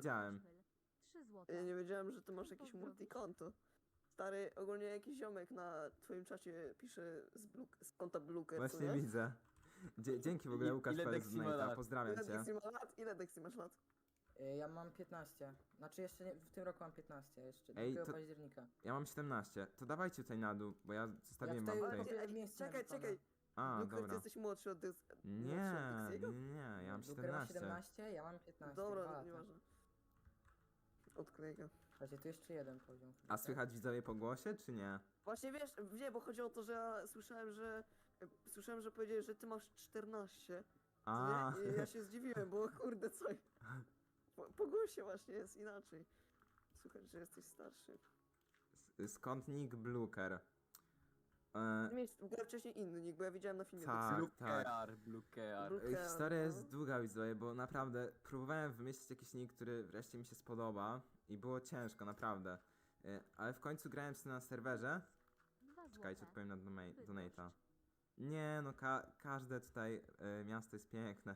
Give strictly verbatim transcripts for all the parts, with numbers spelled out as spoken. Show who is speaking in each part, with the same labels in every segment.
Speaker 1: widziałem.
Speaker 2: trzy złote.
Speaker 3: Ja nie wiedziałem, że ty masz
Speaker 2: Chcę
Speaker 3: jakieś
Speaker 2: pozdrowić.
Speaker 3: multikonto. Stary, ogólnie jakiś ziomek na twoim czacie pisze z, bluk, z konta Bluker, co
Speaker 1: Właśnie
Speaker 3: nie?
Speaker 1: widzę. Dzie dzięki w ogóle
Speaker 4: I-
Speaker 1: Łukasz
Speaker 4: ile
Speaker 1: Perez
Speaker 4: Dexy ma
Speaker 1: Donata,
Speaker 4: lat?
Speaker 1: pozdrawiam
Speaker 3: Ile
Speaker 1: cię.
Speaker 3: Dexy ma lat? Ile Dexy masz lat?
Speaker 5: Y, Ja mam piętnaście. Znaczy jeszcze nie, w tym roku mam piętnaście, jeszcze
Speaker 1: Ej,
Speaker 5: do
Speaker 1: to-
Speaker 5: października.
Speaker 1: Ja mam siedemnaście. To dawajcie tutaj na dół, bo ja zostawiłem
Speaker 5: Ja
Speaker 1: wam
Speaker 5: tutaj-
Speaker 1: tutaj.
Speaker 5: Ej,
Speaker 3: Ej,
Speaker 5: miejsce
Speaker 3: czekaj,
Speaker 5: napisane.
Speaker 3: czekaj.
Speaker 1: A,
Speaker 3: Bluker, ty
Speaker 1: dobra.
Speaker 3: jesteś młodszy od Dys...
Speaker 1: Nie,
Speaker 3: młodszy od
Speaker 1: nie,
Speaker 3: Dixiego?
Speaker 1: nie, ja mam
Speaker 5: Luker ma
Speaker 1: siedemnaście.
Speaker 5: siedemnaście, ja mam piętnaście. dwa
Speaker 3: Dobra,
Speaker 5: lata.
Speaker 3: nieważne. Odkleję go.
Speaker 5: Słuchajcie, tu jeszcze jeden poziom.
Speaker 1: A słychać widzowie po głosie, czy nie?
Speaker 3: Właśnie wiesz, nie, bo chodzi o to, że ja słyszałem, że... Słyszałem, że powiedziałeś, że ty masz czternaście. Co
Speaker 1: A,
Speaker 3: nie? I ja się zdziwiłem, bo kurde, co... Po, po głosie właśnie jest inaczej. Słuchaj, że jesteś starszy.
Speaker 1: skąd nick Bluker? E,
Speaker 3: Ty miałeś w ogóle wcześniej inny nick, bo ja widziałem na filmie.
Speaker 1: Tak.
Speaker 4: Blue Kear, Blue Kear.
Speaker 3: Blue-
Speaker 1: E, Historia
Speaker 3: no.
Speaker 1: jest długa, widzowie, bo naprawdę próbowałem wymyślić jakiś nick, który wreszcie mi się spodoba i było ciężko, naprawdę. E, Ale w końcu grałem sobie na serwerze.
Speaker 2: dwa złote.
Speaker 1: Czekajcie, odpowiem na doma-
Speaker 2: Bydgoszcz.
Speaker 1: donata. Nie, no ka każde tutaj e, miasto jest piękne.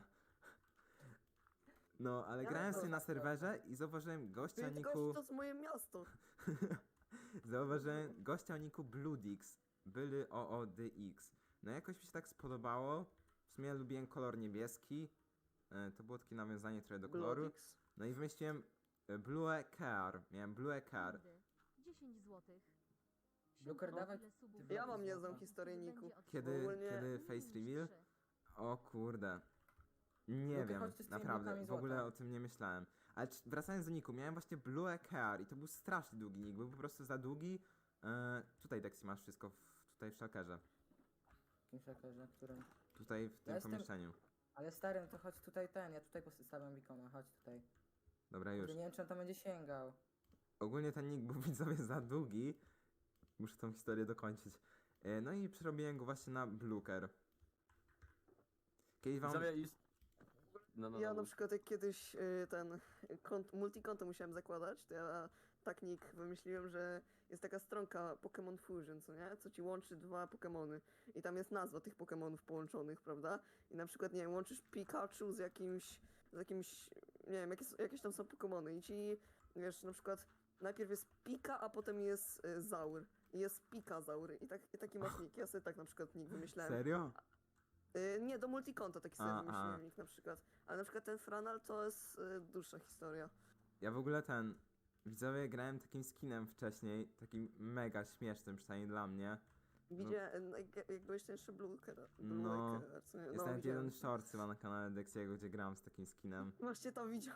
Speaker 1: No, ale
Speaker 3: Ja
Speaker 1: grałem
Speaker 3: to-
Speaker 1: sobie na serwerze i zauważyłem gościa o
Speaker 3: Ty,
Speaker 1: niku...
Speaker 3: gość, to jest moje miasto.
Speaker 1: Zauważyłem gościa o niku Bloodix, były O O D X. No jakoś mi się tak spodobało. W sumie lubiłem kolor niebieski. E, To było takie nawiązanie trochę do koloru.
Speaker 3: Bloodix.
Speaker 1: No i wymyśliłem e, Blue Car. Miałem Blue Car.
Speaker 2: Rundy. dziesięć złotych.
Speaker 5: Bluker,
Speaker 2: Siódmy,
Speaker 5: dawaj
Speaker 2: ile subów
Speaker 5: ty
Speaker 3: Ja
Speaker 2: będzie
Speaker 3: mam niezłą
Speaker 2: złota.
Speaker 3: historię
Speaker 2: Będzie
Speaker 3: niku.
Speaker 2: od
Speaker 1: Kiedy,
Speaker 3: Ogólnie-
Speaker 1: kiedy face reveal?
Speaker 2: trzy.
Speaker 1: O kurde. Nie
Speaker 5: Lubię
Speaker 1: wiem,
Speaker 5: chodzić z tymi
Speaker 1: naprawdę,
Speaker 5: blokami
Speaker 1: w ogóle
Speaker 5: złota.
Speaker 1: o tym nie myślałem. Ale czy- wracając do niku, miałem właśnie Blue Car i to był strasznie długi nick, był po prostu za długi. E, tutaj Dexy masz wszystko, w, tutaj w szalkerze.
Speaker 5: W jakim szakerze, którym?
Speaker 1: Tutaj w tym
Speaker 5: jestem-
Speaker 1: pomieszczeniu.
Speaker 5: Ale stary, no to chodź tutaj ten, ja tutaj postawiam bikona, chodź tutaj.
Speaker 1: Dobra, już.
Speaker 5: Już. Nie wiem, czy on tam będzie sięgał.
Speaker 1: Ogólnie ten nick był widzowie za długi. Muszę tą historię dokończyć. E, No i przerobiłem go właśnie na Bluker. Kiedyś wam...
Speaker 4: Widzowie już... No, no,
Speaker 3: Ja
Speaker 4: no.
Speaker 3: na przykład jak kiedyś y, ten kont, multikonto musiałem zakładać, to ja tak nick wymyśliłem, że jest taka stronka Pokémon Fusion, co nie? Co ci łączy dwa Pokémony. I tam jest nazwa tych Pokémonów połączonych, prawda? I na przykład, nie wiem, łączysz Pikachu z jakimś, z jakimś, nie wiem, jakie, jakieś tam są Pokémony i ci, wiesz, na przykład najpierw jest Pika, a potem jest y, Zaur. I jest Pikazaur. I, tak, i taki masz nick. Ja sobie tak na przykład nick wymyślałem.
Speaker 1: Serio?
Speaker 3: Y, nie, do multikonta taki sobie
Speaker 1: A,
Speaker 3: wymyśliłem
Speaker 1: a.
Speaker 3: nick na przykład. Ale na przykład ten Franal to jest y, dłuższa historia.
Speaker 1: Ja w ogóle ten... Widzowie, grałem takim skinem wcześniej, takim mega śmiesznym, przynajmniej dla mnie.
Speaker 3: Widziałem, jak, jak byłeś ten jeszcze Bluker.
Speaker 1: No,
Speaker 3: Bluker, co nie?
Speaker 1: Jest
Speaker 3: No,
Speaker 1: nawet
Speaker 3: widziałem.
Speaker 1: jeden short chyba na kanale Dexiego, gdzie gram z takim skinem.
Speaker 3: Właśnie to widział.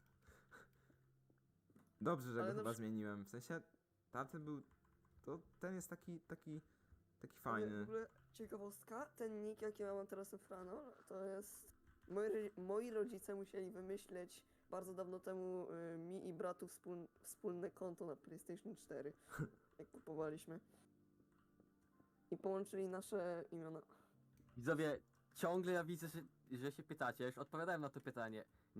Speaker 1: Dobrze, że
Speaker 3: Ale
Speaker 1: go
Speaker 3: na
Speaker 1: chyba
Speaker 3: przy-
Speaker 1: zmieniłem. W sensie, tamten był... To ten jest taki, taki... Taki
Speaker 3: Ale w
Speaker 1: fajny.
Speaker 3: ogóle ciekawostka, ten nick jaki ja mam teraz na Franol, to jest... Moi, ro- moi rodzice musieli wymyśleć bardzo dawno temu y, mi i bratu wspól, wspólne konto na PlayStation cztery. Jak kupowaliśmy. I połączyli nasze imiona.
Speaker 4: Widzowie, ciągle ja widzę, że, że się pytacie, już odpowiadałem na to pytanie.